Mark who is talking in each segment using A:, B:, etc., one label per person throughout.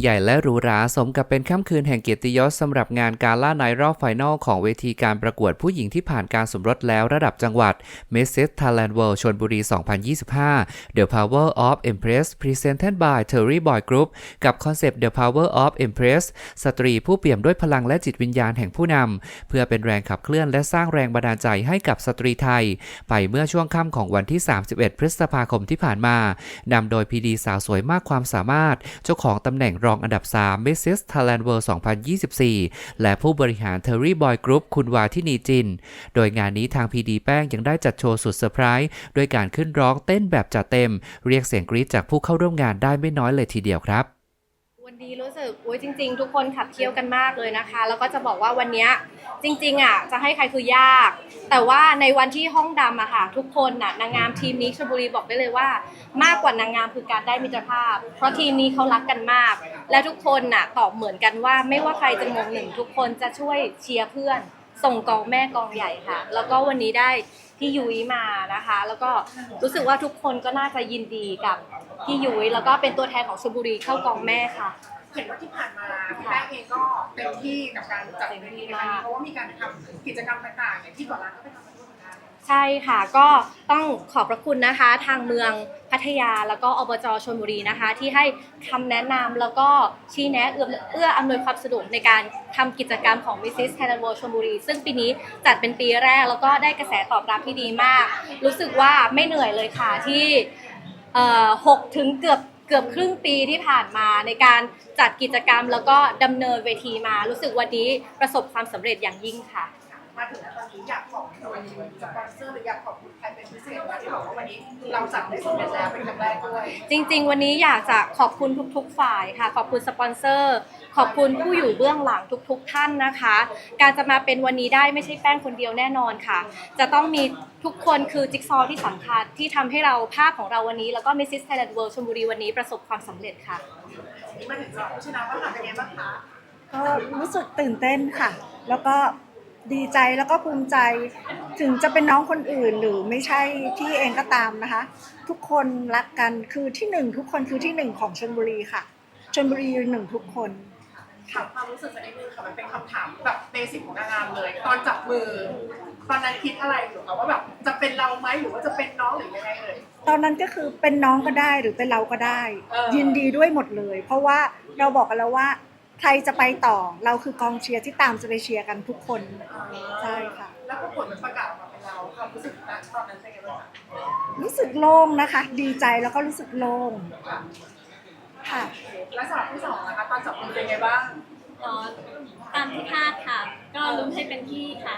A: ใหญ่และหรูหราสมกับเป็นค่ำคืนแห่งเกียรติยศสำหรับงานกาล่าไนท์รอบไฟนอลของเวทีการประกวดผู้หญิงที่ผ่านการสมรสแล้วระดับจังหวัด Mrs. Thailand World ชลบุรี 2025 The Power of Empress Presented by Terry Boy Group กับคอนเซปต์ The Power of Empress สตรีผู้เปี่ยมด้วยพลังและจิตวิญญาณแห่งผู้นำเพื่อเป็นแรงขับเคลื่อนและสร้างแรงบันดาลใจให้กับสตรีไทยไปเมื่อช่วงค่ำของวันที่ 31 พฤษภาคมที่ผ่านมานำโดยพีดีสาวสวยมากความสามารถเจ้าของตำแหน่งรองอันดับ 3 Mrs. Thailand World 2024 และผู้บริหาร Terry Boy Group คุณวาทินีจินโดยงานนี้ทางพีดีแป้งยังได้จัดโชว์สุดเซอร์ไพรส์ด้วยการขึ้นร้องเต้นแบบจัดเต็มเรียกเสียงกรี๊ดจากผู้เข้าร่วมงานได้ไม่น้อยเลยทีเดียวครับ
B: วันนี้รู้สึกจริงๆทุกคนขับเคี่ยวกันมากเลยนะคะแล้วก็จะบอกว่าวันนี้จริงๆจะให้ใครคือยากแต่ว่าในวันที่ห้องดำค่ะทุกคนนางงามทีมนี้ชลบุรีบอกได้เลยว่ามากกว่านางงามคือการได้มิตรภาพเพราะทีมนี้เขารักกันมากและทุกคนตอบเหมือนกันว่าไม่ว่าใครจะมงหนึ่งทุกคนจะช่วยเชียร์เพื่อนส่งกองแม่กองใหญ่ค่ะแล้วก็วันนี้ได้พี่ยุ้ยมานะคะแล้วก็รู้สึกว่าทุกคนก็น่าจะยินดีกับพี่ยุ้ยแล้วก็เป็นตัวแทนของชลบุรีเข้ากองแม่ค่ะ
C: เห็นว่าที่ผ่านมาพี่แป้งเองก็เต็มที่กับการจัดเวทีในครั้งนี้เพราะว่ามีการทำกิจกรรมต่างๆอย่างที่ก่อนร้านก็ไปทำมาด้วยเหมือนกัน
B: ใช่ค่ะก็ต้องขอบพระคุณนะคะทางเมืองพัทยาแล้วก็อบจ.ชลบุรีนะคะที่ให้คำแนะนำแล้วก็ชี้แนะเอื้ออำนวยความสะดวกในการทำกิจกรรมของ Mrs. Thailand World ชลบุรีซึ่งปีนี้จัดเป็นปีแรกแล้วก็ได้กระแสตอบรับที่ดีมากรู้สึกว่าไม่เหนื่อยเลยค่ะที่6 ถึงเกือบครึ่งปีที่ผ่านมาในการจัดกิจกรรมแล้วก็ดำเนินเวทีมารู้สึกวันนี้ประสบความสำเร็จอย่างยิ่งค่ะ
C: มาถึงตอนนี้อยากขอบคุณสปอนเซอร์หรืออยากขอบคุณใครเป็นพิเศษไหมที่บอกว่าวันนี้เราจัดได้สำเร็จแล้วเป็นครั้งแรกด้วย
B: จริงๆวันนี้อยากจะขอบคุณทุกๆฝ่ายค่ะขอบคุณสปอนเซอร์ขอบคุณผู้อยู่เบื้องหลังทุกท่านนะคะการจะมาเป็นวันนี้ได้ไม่ใช่แป้งคนเดียวแน่นอนค่ะจะต้องมีทุกคนคือจิ๊กซอว์ที่สำคัญที่ทำให้เราภาพของเราวันนี้แล้วก็ Mrs. Thailand World ชลบุรีวันนี้ประสบความสำเร็จค่ะ
C: นี่มาถึงเราผู้ชนะว่าเป็นไงบ้างคะ
D: ก็รู้สึกตื่นเต้นค่ะแล้วก็ดีใจแล้วก็ภูมิใจถึงจะเป็นน้องคนอื่นหรือไม่ใช่ที่เองก็ตามนะคะทุกคนรักกันคือที่หนึ่งทุกคนคือที่หนึ่งของชลบุรีค่ะชลบุรีหนึ่งทุกคน
C: ถามความรู้สึกสักนิดนึงค่ะมันเป็นคำถามแบบเบสิกของนางงามเลยตอนจับมือตอนนั้นคิดอะไรอยู่คะว่าแบบจะเป็นเราไหมหรือว่าจะเป็นน้องหรือยังไงเลย
D: ตอนนั้นก็คือเป็นน้องก็ได้หรือเป็นเราก็ได้ยินดีด้วยหมดเลยเพราะว่าเราบอกกันแล้วว่าใครจะไปต่อเราคือกองเชียร์ที่ตามจะไปเชียร์กันทุกคนใช่ค่ะ
C: แล้วก็ผลมันประกาศออกมาเป็นเราความรู้สึกนั้นตอนนั้นเป็นยังไงบ้าง
D: รู้สึกโล่งนะคะดีใจแล้วก็รู้สึกโล่งค่ะ
C: แล้วสำหรับที่สองนะคะตอนจับมือเป็นยังไงบ้าง
E: ตามที่คาดค่ะก็ลุ้นให้เป็นพี่ค่ะ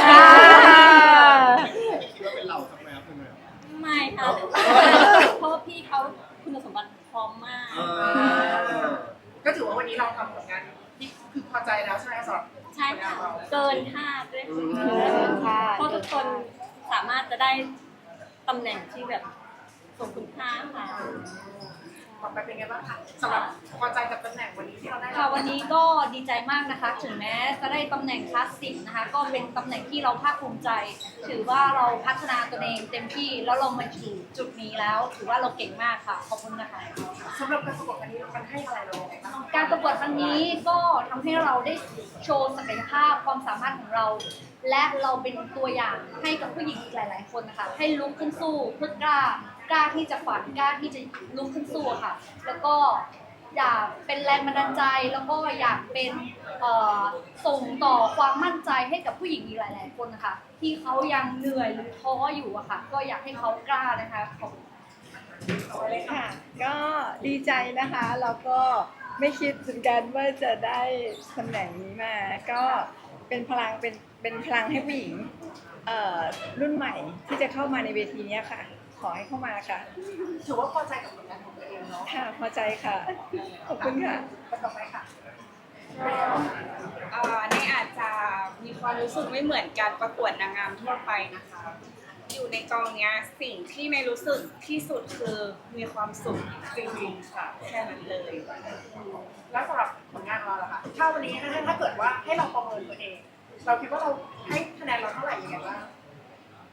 C: คิดว่าเป็นเราทำไมครับคุณ
E: ไม่ค่ะเพราะว่าพี่เขาคุณสมบัติพร้อมมาก
C: ก็ถือว่าวันนี้เราทำผลงานที่คือพอใจแล้วใช่ไหมสำหรับ
E: ใช่ค่ะเกินคาดด้วยค่ะเพราะทุกคนสามารถจะได้ตำแหน่งที่แบบสมคุณค่าค่ะ
C: ต่อไปเป็นไงบ้างคะสำหรับพอใจกับตำแหน่งวันนี้ที่เราได้
E: ค่ะวันนี้ก็ดีใจมากนะคะถึงแม้จะได้ตำแหน่งคลาสสิกนะคะก็เป็นตำแหน่งที่เราภาคภูมิใจถือว่าเราพัฒนาตัวเองเต็มที่แล้วเรามาถึงจุดนี้แล้วถือว่าเราเก่งมากค่ะขอบคุณนะคะ
C: สำหรับการประกวดวันนี้มันให้อะไรเราบ้าง
E: การประกวดวันนี้ก็ทำให้เราได้โชว์ศักยภาพความสามารถของเราและเราเป็นตัวอย่างให้กับผู้หญิงอีกหลายๆคนนะคะให้ลุกขึ้นสู้เพื่อกล้าที่จะฝันกล้าที่จะลุกขึ้นสู้ค่ะแล้วก็อยากเป็นแรงบันดาลใจแล้วก็อยากเป็นส่งต่อความมั่นใจให้กับผู้หญิงอีกหลายๆคนนะคะที่เขายังเหนื่อยหรือท้ออยู่อะค่ะก็อยากให้เขากล้านะคะขอบคุณ
F: ค่ะก็ดีใจนะคะแล้วก็ไม่คิดเหมือนกันว่าจะได้ตำแหน่งนี้มาก็เป็นพลังเป็นพลังให้ผู้หญิงรุ่นใหม่ที่จะเข้ามาในเวทีนี้ค่ะขอให้เข้ามาค่ะ
C: ถือว่าพอใจกับผลงานของตัวเองเนาะ
F: ค่ะพอใจค่ะขอบคุณค่ะ
C: ต่อไปค่ะ
G: ในอาจจะมีความรู้สึกไม่เหมือนการประกวดนางงามทั่วไปนะคะอยู่ในกองเนี้ยสิ่งที่ในรู้สึกที่สุดคือมีความสุขจริงๆค่ะแค่นั้นเลย
C: แล้วสำหรับผลงานเราล่ะคะถ้าวันนี้ถ้าเกิดว่าให้เราประเมินตัวเองเราคิดว่าเราให้คะแนนเราเท่าไหร่ยังไงบ้าง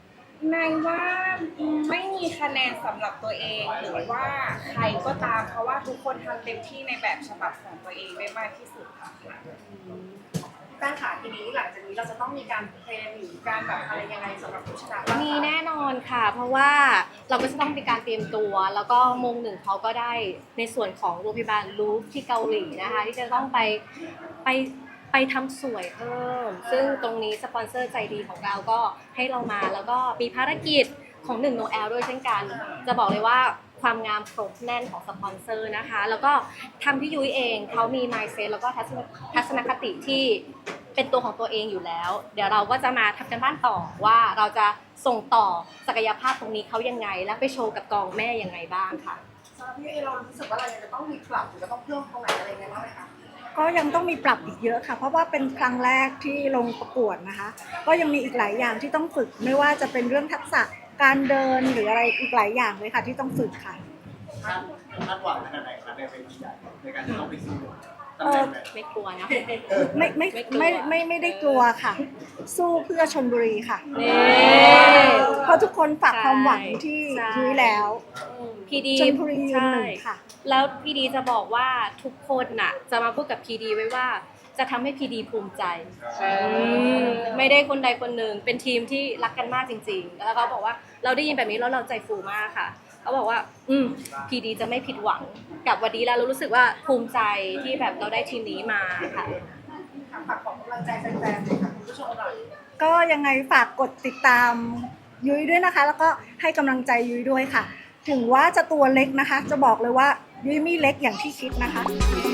G: นายว่าไม่มีคะแนนสำหรับตัวเองหรือว่าใครก็ตามเพราะว่าทุกคนทำเต็มที่ในแบบฉบับของตัวเองได้มากที่สุดค่ะ
C: แป้งขาทีนี้หลังจากนี้เราจะต้องมีการเทรนหรือการแบบอะไรยังไงสำหรับผู้ชนะบ้างคะ
B: มีแน่นอนค่ะ เพราะว่าเราก็จะต้องมีการเตรียมตัว แล้วก็โมงหนึ่งเขาก็ได้ในส่วนของโรงพยาบาลลูฟที่เกาหลีนะคะ ที่จะต้องไปทำสวยเพิ่ม ซึ่งตรงนี้สปอนเซอร์ใจดีของเราก็ให้เรามา แล้วก็มีภารกิจของ1 Noel ด้วยเช่นกัน จะบอกเลยว่าความงามครบแน่นของสปอนเซอร์นะคะ แล้วก็ทำที่ยุ้ยเองเขามี mindset แล้วก็ทัศนคติที่เป็นตัวของตัวเองอยู่แล้ว เดี๋ยวเราก็จะมาทำกันบ้านต่อว่าเราจะส่งต่อศักยภาพตรงนี้เขายังไง และไปโชว์กับกองแม่ยังไงบ้างค่ะ
C: สำหรับพี่เอเรารู้สึกว่าเรายังจะต้องมีปรับหรือจะต้องเพิ่มตรงไหนอะไรยังไงบ้างไหมคะ
D: ก็ยังต้องมีปรับอีกเยอะค่ะ เพราะว่าเป็นครั้งแรกที่ลงประกวดนะคะ ก็ยังมีอีกหลายอย่างที่ต้องฝึก ไม่ว่าจะเป็นเรื่องทักษะการเดินหรืออะไรอีกหลายอย่างเลยค่ะที่ต้องฝึกค่ะ
H: คาดหวังขนาดไหนคะในเวทีใหญ่ในการที่ต้องไปสู้ตำแหน่งแบบ
B: ไม่กลัวนะ
D: ไม่ได้กลัวค่ะ สู้เพื่อชลบุรีค่ะ
B: นี่
D: เพราะทุกคนฝากความหวังที่
B: ใช่
D: ยุ้ยแล้ว
B: พีดี
D: ชลบุรียืนหนึ่งค่ะ
B: แล้วพีดีจะบอกว่าทุกคนน่ะจะมาพูดกับพีดีไว้ว่าจะทำให้พีดีภูมิใจไม่ได้คนใดคนหนึ่งเป็นทีมที่รักกันมากจริงๆ แล้วเขาบอกว่าเราได้ยินแบบนี้แล้วเราใจฟูมากค่ะเขาบอกว่าพีดีจะไม่ผิดหวังกับวันนี้แล้วเรารู้สึกว่าภูมิใจที่แบบเราได้ทีมนี้มาค่ะ
C: ฝากของกำลังใจแฟนๆหน่อยค่ะคุณผู้ชมหน่อย
D: ก็ยังไงฝากกดติดตามยุ้ยด้วยนะคะ แล้วก็ให้กำลังใจยุ้ยด้วยค่ะ ถึงว่าจะตัวเล็กนะคะ จะบอกเลยว่ายุ้ยไม่เล็กอย่างที่คิดนะคะ